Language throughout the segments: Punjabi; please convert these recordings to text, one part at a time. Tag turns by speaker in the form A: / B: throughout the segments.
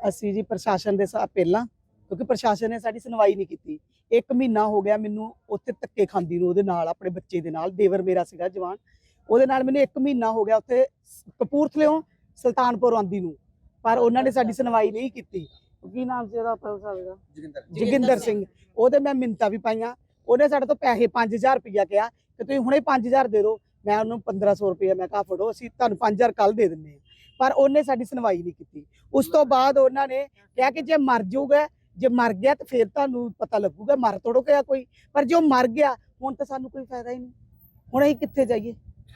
A: ਅਸੀਂ ਜੀ ਪ੍ਰਸ਼ਾਸਨ ਦੇ ਪਹਿਲਾਂ, ਕਿਉਂਕਿ ਪ੍ਰਸ਼ਾਸਨ ਨੇ ਸਾਡੀ ਸੁਣਵਾਈ ਨਹੀਂ ਕੀਤੀ। 1 ਮਹੀਨਾ ਹੋ ਗਿਆ ਮੈਨੂੰ ਉੱਥੇ ਧੱਕੇ ਖਾਂਦੀ ਨੂੰ, ਉਹਦੇ ਨਾਲ, ਆਪਣੇ ਬੱਚੇ ਦੇ ਨਾਲ। ਦੇਵਰ ਮੇਰਾ ਸੀਗਾ ਜਵਾਨ, ਉਹਦੇ ਨਾਲ ਮੈਨੂੰ 1 ਮਹੀਨਾ ਹੋ ਗਿਆ ਉੱਥੇ ਕਪੂਰਥਲਿਓਂ ਸੁਲਤਾਨਪੁਰ ਆਉਂਦੀ ਨੂੰ, ਪਰ ਉਹਨਾਂ ਨੇ ਸਾਡੀ ਸੁਣਵਾਈ ਨਹੀਂ ਕੀਤੀ। ਕੀ ਨਾਮ ਸੀ ਉਹਦਾ ਪੁਲਿਸ ਵਾਲੇ ਦਾ? ਜੋਗਿੰਦਰ ਸਿੰਘ। ਉਹਦੇ ਮੈਂ ਮਿੰਨਤਾਂ ਵੀ ਪਾਈਆਂ। ਉਹਨੇ ਸਾਡੇ ਤੋਂ ਪੈਸੇ 5000 ਰੁਪਇਆ ਕਿਹਾ ਕਿ ਤੁਸੀਂ ਹੁਣੇ 5000 ਦੇ ਦਿਓ। ਮੈਂ ਉਹਨੂੰ 1500 ਰੁਪਇਆ ਮੈਂ ਕਿਹਾ ਫੜੋ, ਅਸੀਂ ਤੁਹਾਨੂੰ 5000 ਕੱਲ ਦੇ ਦਿੰਦੇ ਹਾਂ, ਪਰ ਉਹਨੇ ਸਾਡੀ ਸੁਣਵਾਈ ਨਹੀਂ ਕੀਤੀ। ਉਸ ਤੋਂ ਬਾਅਦ ਉਹਨਾਂ ਨੇ ਕਿਹਾ ਕਿ ਜੇ ਮਰ ਜਾਊਗਾ, ਜੇ ਮਰ ਗਿਆ ਤਾਂ ਫਿਰ ਤੁਹਾਨੂੰ ਪਤਾ ਲੱਗੂਗਾ, ਮਰ ਤੋੜੋ ਗਿਆ ਕੋਈ, ਪਰ ਜੇ ਉਹ ਮਰ ਗਿਆ ਹੁਣ ਤਾਂ ਸਾਨੂੰ ਕੋਈ ਫਾਇਦਾ ਹੀ ਨਹੀਂ। ਹੁਣ ਅਸੀਂ ਕਿੱਥੇ ਜਾਈਏ?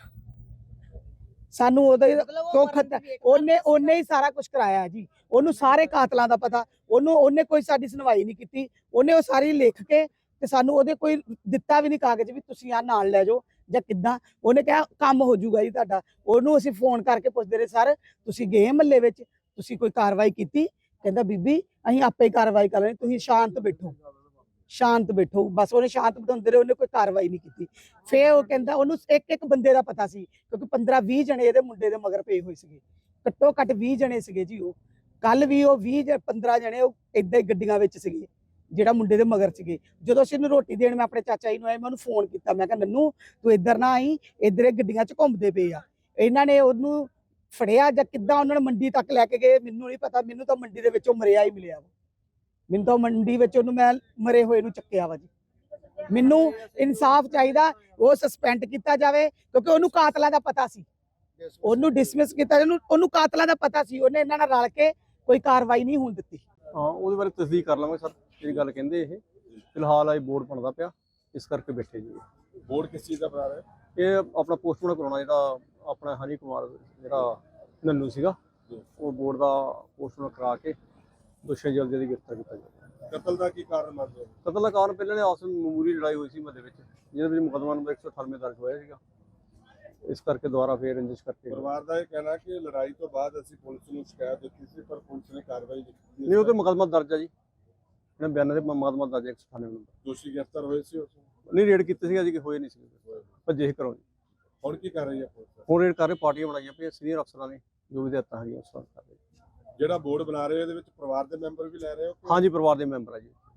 A: ਸਾਨੂੰ ਉਹਦੇ ਉਹਨੇ ਹੀ ਸਾਰਾ ਕੁਝ ਕਰਾਇਆ ਜੀ। ਉਹਨੂੰ ਸਾਰੇ ਕਾਤਲਾਂ ਦਾ ਪਤਾ, ਉਹਨੇ ਕੋਈ ਸਾਡੀ ਸੁਣਵਾਈ ਨਹੀਂ ਕੀਤੀ। ਉਹਨੇ ਉਹ ਸਾਰੀ ਲਿਖ ਕੇ ਤੇ ਸਾਨੂੰ ਉਹਦੇ ਕੋਈ ਦਿੱਤਾ ਵੀ ਨਹੀਂ ਕਾਗਜ਼ ਵੀ ਤੁਸੀਂ ਆ ਨਾਲ ਲੈ ਜਾਓ ਜਾਂ ਕਿੱਦਾਂ। ਉਹਨੇ ਕਿਹਾ ਕੰਮ ਹੋ ਜਾਊਗਾ ਜੀ ਤੁਹਾਡਾ। ਉਹਨੂੰ ਅਸੀਂ ਫੋਨ ਕਰਕੇ ਪੁੱਛਦੇ ਰਹੇ, ਸਰ ਤੁਸੀਂ ਗਏ ਮਹੱਲੇ ਵਿੱਚ, ਤੁਸੀਂ ਕੋਈ ਕਾਰਵਾਈ ਕੀਤੀ? ਕਹਿੰਦਾ ਬੀਬੀ ਅਸੀਂ ਆਪੇ ਹੀ ਕਾਰਵਾਈ ਕਰ ਲੈਣੀ, ਤੁਸੀਂ ਸ਼ਾਂਤ ਬੈਠੋ, ਸ਼ਾਂਤ ਬੈਠੋ। ਬਸ ਉਹਨੇ ਸ਼ਾਂਤ ਬਿਠਾਉਂਦੇ ਰਹੇ, ਉਹਨੇ ਕੋਈ ਕਾਰਵਾਈ ਨਹੀਂ ਕੀਤੀ। ਫੇਰ ਉਹ ਕਹਿੰਦਾ ਉਹਨੂੰ ਇੱਕ ਬੰਦੇ ਦਾ ਪਤਾ ਸੀ, ਕਿਉਂਕਿ 15-20 ਜਣੇ ਇਹਦੇ ਮੁੰਡੇ ਦੇ ਮਗਰ ਪਏ ਹੋਏ ਸੀਗੇ, ਘੱਟੋ ਘੱਟ 20 ਜਣੇ ਸੀਗੇ ਜੀ। ਉਹ ਕੱਲ ਵੀ ਉਹ 20-15 ਜਣੇ ਉਹ ਏਦਾਂ ਹੀ ਗੱਡੀਆਂ ਵਿੱਚ ਸੀਗੇ, ਜਿਹੜਾ ਮੁੰਡੇ ਦੇ ਮਗਰ ਸੀਗੇ। ਜਦੋਂ ਅਸੀਂ ਇਹਨੂੰ ਰੋਟੀ ਦੇਣ ਮੈਂ ਆਪਣੇ ਚਾਚਾ ਜੀ ਨੂੰ ਆਇਆ, ਮੈਂ ਉਹਨੂੰ ਫੋਨ ਕੀਤਾ, ਮੈਂ ਕਿਹਾ ਨੰਨੂ ਤੂੰ ਇੱਧਰ ਨਾ ਆਈ, ਇੱਧਰ ਇਹ ਗੱਡੀਆਂ 'ਚ ਘੁੰਮਦੇ ਪਏ ਆ। ਇਹਨਾਂ ਨੇ ਉਹਨੂੰ ਫੜਿਆ ਜਾਂ ਕਿੱਦਾਂ ਉਹਨਾਂ ਨੇ ਮੰਡੀ ਤੱਕ ਲੈ ਕੇ ਗਏ ਮੈਨੂੰ ਨਹੀਂ ਪਤਾ। ਮੈਨੂੰ ਤਾਂ ਮੰਡੀ ਦੇ ਵਿੱਚੋਂ ਮਰਿਆ ਹੀ ਮਿਲਿਆ ਵਾ। ਮੈਨੂੰ ਤਾਂ ਮੰਡੀ ਵਿੱਚ ਉਹਨੂੰ ਮੈਂ ਮਰੇ ਹੋਏ ਨੂੰ ਚੱਕਿਆ ਵਾ ਜੀ। ਮੈਨੂੰ ਇਨਸਾਫ ਚਾਹੀਦਾ, ਉਹ ਸਸਪੈਂਡ ਕੀਤਾ ਜਾਵੇ, ਕਿਉਂਕਿ ਉਹਨੂੰ ਕਾਤਲਾਂ ਦਾ ਪਤਾ ਸੀ। ਉਹਨੂੰ ਡਿਸਮਿਸ ਕੀਤਾ, ਉਹਨੂੰ ਕਾਤਲਾਂ ਦਾ ਪਤਾ ਸੀ। ਉਹਨੇ ਇਹਨਾਂ ਨਾਲ ਰਲ ਕੇ ਕੋਈ ਕਾਰਵਾਈ ਨਹੀਂ ਹੋਣ ਦਿੱਤੀ।
B: ਹਾਂ, ਉਹਦੇ ਬਾਰੇ ਤਸਦੀਕ ਕਰ ਲਵਾਂਗੇ ਸਰ, ਜਿਹੜੀ ਗੱਲ ਕਹਿੰਦੇ। ਇਹ ਫਿਲਹਾਲ ਆਈ ਬੋਰਡ ਬਣਦਾ ਪਿਆ, ਇਸ ਕਰਕੇ ਬੈਠੇ ਜੀ।
C: ਬੋਰਡ ਕਿਸ ਚੀਜ਼ ਦਾ ਬਣਾ ਰਿਹਾ?
B: ਇਹ ਆਪਣਾ ਪੋਸਟਮਾਰਟਮ ਕਰਾਉਣਾ, ਜਿਹੜਾ ਆਪਣਾ ਹਨੀ ਕੁਮਾਰ ਜਿਹੜਾ ਨੰਨੂ ਸੀਗਾ, ਉਹ ਬੋਰਡ ਦਾ ਪੋਸਟਮਾਰਟਮ ਕਰਾ ਕੇ ਦੋਸ਼ੀ ਜਲਦੀ ਦੀ ਗ੍ਰਿਫਤਾਰ ਕੀਤਾ ਜਾਵੇ।
C: ਕਤਲ ਦਾ ਕੀ ਕਾਰਨ ਮੰਨਦੇ ਹੋ?
B: ਕਤਲ ਦਾ ਕਾਰਨ ਪਹਿਲਾਂ ਨੇ ਆਪਸ ਵਿੱਚ ਮਾਮੂਲੀ ਲੜਾਈ ਹੋਈ ਸੀ ਮਹੱਲੇ ਵਿੱਚ, ਜਿਹਦੇ ਵਿੱਚ ਮੁਕੱਦਮਾ ਨੰਬਰ 198 ਦਰਜ ਹੋਇਆ ਸੀਗਾ। ਇਸ ਕਰਕੇ ਦੁਬਾਰਾ ਫੇਰ ਰੰਜਿਸ਼ ਕਰਕੇ
C: ਪਰਿਵਾਰ ਦਾ ਇਹ ਕਹਿਣਾ ਕਿ ਲੜਾਈ ਤੋਂ ਬਾਅਦ ਅਸੀਂ ਪੁਲਿਸ ਨੂੰ ਸ਼ਿਕਾਇਤ ਦਿੱਤੀ ਸੀ, ਪਰ ਪੁਲਿਸ ਨੇ ਕਾਰਵਾਈ ਨਹੀਂ ਕੀਤੀ।
B: ਨਹੀਂ, ਉਹ ਤੇ ਮੁਕੱਦਮਾ ਦਰਜ ਆ ਜੀ, ਇਹਨਾਂ ਬਿਆਨਾਂ ਦੇ ਮੁਕੱਦਮਾ ਦਰਜ 198 ਨੰਬਰ।
C: ਦੋਸ਼ੀ ਗ੍ਰਿਫਤਾਰ ਹੋਏ ਸੀ ਉਸ ਨੂੰ?
B: ਨਹੀਂ, ਰੇਡ ਕੀਤੀ ਸੀ ਅਜੇ, ਹੋਏ ਨਹੀਂ ਸੀ, ਭੱਜੇ ਹੀ ਘਰੋਂ ਜੀ।
C: ਹੁਣ ਕੀ ਕਰ ਰਹੀ ਹੈ ਪੁਲਿਸ?
B: ਹੁਣ ਰੇਡ ਕਰ ਰਹੇ, ਪਾਰਟੀਆਂ ਬਣਾਈਆਂ ਪਈਆਂ, ਸੀਨੀਅਰ ਅਫਸਰਾਂ ਨੇ ਜੋ ਵੀ ਹਦਾਇਤਾਂ ਹੈਗੀਆਂ ਉਸ ਤਰ੍ਹਾਂ ਕਰ ਰਹੇ।
C: ਜਿਹੜਾ ਬੋਰਡ ਬਣਾ ਰਹੇ ਹੋ ਇਹਦੇ ਵਿੱਚ ਪਰਿਵਾਰ ਦੇ ਮੈਂਬਰ ਵੀ ਲੈ ਰਹੇ ਹੋ?
B: ਹਾਂਜੀ, ਪਰਿਵਾਰ ਦੇ ਮੈਂਬਰ ਆ ਜੀ।